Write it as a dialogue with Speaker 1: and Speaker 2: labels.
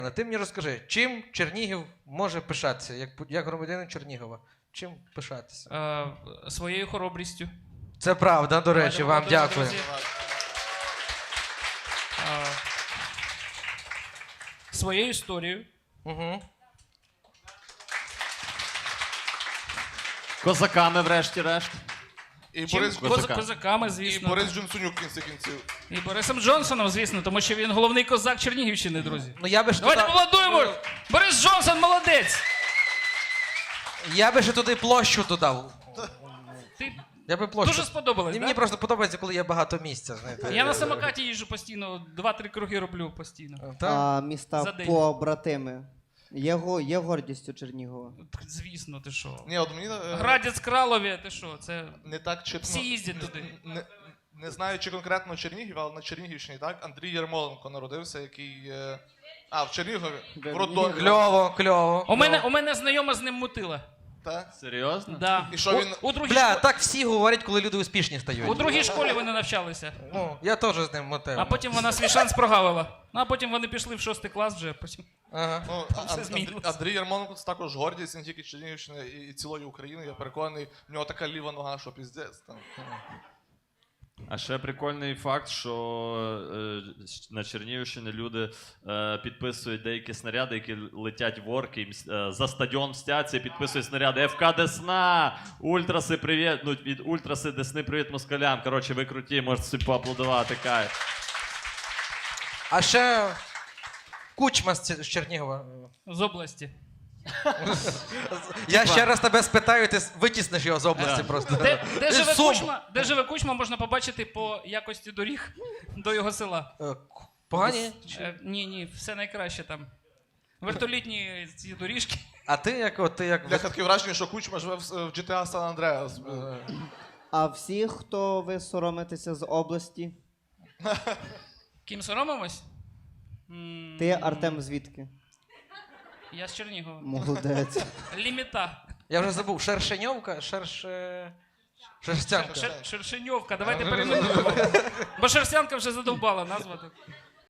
Speaker 1: Ти мені розкажи, чим Чернігів може пишатися, як громадянин Чернігова? Чим пишатися?
Speaker 2: Своєю хоробрістю.
Speaker 1: Це правда, до речі, вам дякую.
Speaker 2: Своєю історією.
Speaker 1: Угу.
Speaker 3: Козаками, врешті-решт.
Speaker 4: І
Speaker 2: Чим?
Speaker 4: Борис,
Speaker 2: Козаками,
Speaker 4: і
Speaker 2: звісно.
Speaker 4: Борис Джонсонюк в кінці кінців.
Speaker 2: І Борисом Джонсоном, звісно, тому що він головний козак Чернігівщини, друзі.
Speaker 1: Ну я би ж
Speaker 2: Давайте
Speaker 1: туди...
Speaker 2: молодуємо! Борис Джонсон молодець!
Speaker 1: Я би ще туди площу додав.
Speaker 2: Ти
Speaker 1: Я би площу.
Speaker 2: дуже сподобалось,
Speaker 1: Мені
Speaker 2: так?
Speaker 1: просто подобається, коли є багато місця, знаєте.
Speaker 2: Я на самокаті їжджу постійно, 2-3 круги роблю постійно.
Speaker 1: Так?
Speaker 2: За
Speaker 5: Міста
Speaker 2: день.
Speaker 5: побратими. Є гордістю Чернігова.
Speaker 2: Звісно, ти що?
Speaker 4: Ні, от мені
Speaker 2: Градець Кралові, ти що? Це
Speaker 4: не так чітко.
Speaker 2: всі їздять туди.
Speaker 4: Не знаю, чи конкретно Чернігів, але на Чернігівщині, так? Андрій Ярмоленко народився, який... в Чернігові. В роддомі.
Speaker 1: Кльово, кльово.
Speaker 2: У мене знайома з ним мутила.
Speaker 4: Так?
Speaker 3: Серйозно?
Speaker 2: Да.
Speaker 4: І що він...
Speaker 2: У другій
Speaker 1: Бля,
Speaker 2: школі-
Speaker 1: так всі говорять, коли люди успішні стають.
Speaker 2: У другій школі вони навчалися.
Speaker 1: Ну, я теж з ним мотив.
Speaker 2: А потім вона свій шанс прогавила. Ну, а потім вони пішли в 6 клас вже. Потім.
Speaker 4: Ну,
Speaker 2: все змінилося.
Speaker 4: Андрій Ярмоленко це також гордість не тільки Чернігівщини і цілої України. Я переконаний, в нього така ліва нога, що піздець. Там.
Speaker 3: А ще прикольний факт, що на Чернігівщині люди підписують деякі снаряди, які летять в орки, за стадіон мстяться, підписують снаряди ФК Десна, Ультраси, привіт, ну від Ультраси Десни, привіт москалям. Коротше, ви круті, можете собі поаплодувати, кайф.
Speaker 1: А ще Кучма з Чернігова.
Speaker 2: З області.
Speaker 1: Я ще раз тебе спитаю, ти витісниш його з області просто.
Speaker 2: Де живе Кучма, можна побачити по якості доріг до його села.
Speaker 1: Погані?
Speaker 2: Ні, все найкраще там. Вертолітні ці доріжки.
Speaker 1: А ти як...
Speaker 4: Бляха, таке враження, що Кучма живе в GTA San Andreas.
Speaker 5: А всі, хто ви соромитеся з області?
Speaker 2: Ким соромимось?
Speaker 5: Ти, Артем, звідки?
Speaker 2: Я з Чернігова.
Speaker 5: Молодець.
Speaker 2: Ліміта.
Speaker 1: Я вже забув, Шершеньовка, Шерстянка.
Speaker 2: Шершеньовка, давайте перейменуємо. Бо Шерстянка вже задовбала назва.